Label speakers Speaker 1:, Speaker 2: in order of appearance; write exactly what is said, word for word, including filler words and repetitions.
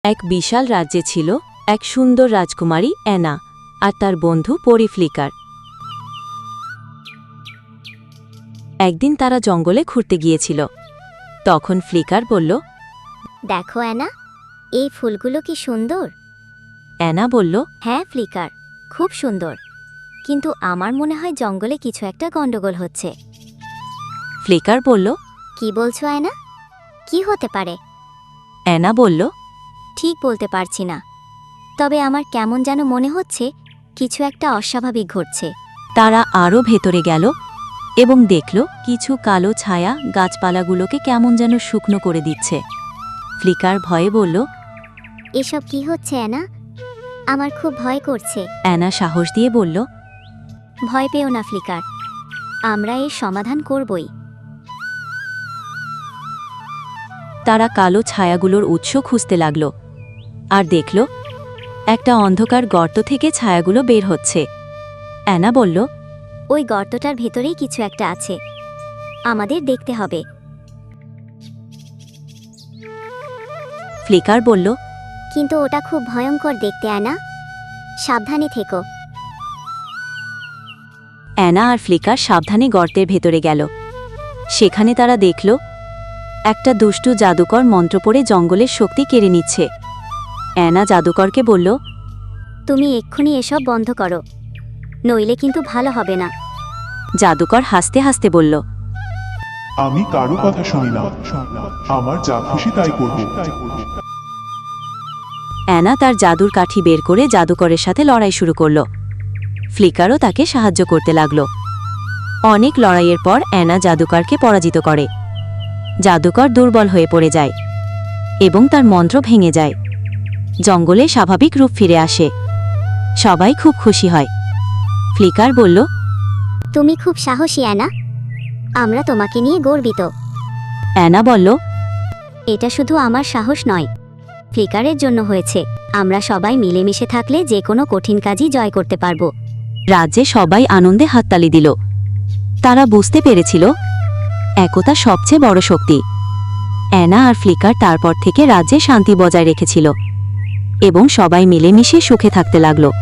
Speaker 1: এক বিশাল রাজ্যে ছিল এক সুন্দর রাজকুমারী অ্যানা আর তার বন্ধু পরি ফ্লিকার। একদিন তারা জঙ্গলে ঘুরতে গিয়েছিল। তখন ফ্লিকার বলল,
Speaker 2: দেখো অ্যানা, এই ফুলগুলো কি সুন্দর।
Speaker 1: অ্যানা বলল,
Speaker 2: হ্যাঁ ফ্লিকার, খুব সুন্দর, কিন্তু আমার মনে হয় জঙ্গলে কিছু একটা গন্ডগোল হচ্ছে।
Speaker 1: ফ্লিকার বলল,
Speaker 2: কি বলছো অ্যানা? কি হতে পারে?
Speaker 1: অ্যানা বলল,
Speaker 2: ঠিক বলতে পারছি না, তবে আমার কেমন যেন মনে হচ্ছে কিছু একটা অস্বাভাবিক ঘটছে।
Speaker 1: তারা আরও ভেতরে গেল এবং দেখল কিছু কালো ছায়া গাছপালাগুলোকে কেমন যেন শুকনো করে দিচ্ছে। ফ্লিকার ভয়ে বলল,
Speaker 2: এসব কি হচ্ছে অ্যানা? আমার খুব ভয় করছে।
Speaker 1: অ্যানা সাহস দিয়ে বলল,
Speaker 2: ভয় পেও না ফ্লিকার, আমরা এর সমাধান করবই।
Speaker 1: তারা কালো ছায়াগুলোর উৎস খুঁজতে লাগল আর দেখল একটা অন্ধকার গর্ত থেকে ছায়াগুলো বের হচ্ছে। অ্যানা বলল,
Speaker 2: ওই গর্তটার ভেতরেই কিছু একটা আছে, আমাদের দেখতে হবে।
Speaker 1: ফ্লিকার বলল,
Speaker 2: কিন্তু ওটা খুব ভয়ঙ্কর দেখতে অ্যানা, সাবধানে থেকো।
Speaker 1: অ্যানা আর ফ্লিকার সাবধানে গর্তের ভেতরে গেল। সেখানে তারা দেখল একটা দুষ্টু জাদুকর মন্ত্র পড়ে জঙ্গলের শক্তি কেড়ে নিচ্ছে। অ্যানা জাদুকরকে বলল,
Speaker 2: তুমি এক্ষুনি এসব বন্ধ করো, নইলে কিন্তু ভালো হবে না।
Speaker 1: জাদুকর হাসতে হাসতে বলল,
Speaker 3: আমি কারো কথা শুনি না, আমার যা খুশি তাই করব।
Speaker 1: অ্যানা তার জাদুর কাঠি বের করে জাদুকরের সাথে লড়াই শুরু করল। ফ্লিকারও তাকে সাহায্য করতে লাগল। অনেক লড়াইয়ের পর অ্যানা জাদুকরকে পরাজিত করে। জাদুকর দুর্বল হয়ে পড়ে যায় এবং তার মন্ত্র ভেঙে যায়। জঙ্গলে স্বাভাবিক রূপ ফিরে আসে। সবাই খুব খুশি হয়। ফ্লিকার বলল,
Speaker 2: তুমি খুব সাহসী অ্যানা, আমরা তোমাকে নিয়ে গর্বিত।
Speaker 1: অ্যানা বলল,
Speaker 2: এটা শুধু আমার সাহস নয়, ফ্লিকারের জন্য হয়েছে। আমরা সবাই মিলেমিশে থাকলে যে কোনো কঠিন কাজই জয় করতে পারব।
Speaker 1: রাজ্যে সবাই আনন্দে হাততালি দিল। তারা বুঝতে পেরেছিল একতা সবচেয়ে বড় শক্তি। অ্যানা আর ফ্লিকার তারপর থেকে রাজ্যে শান্তি বজায় রেখেছিল এবং সবাই মিলেমিশে সুখে থাকতে লাগল।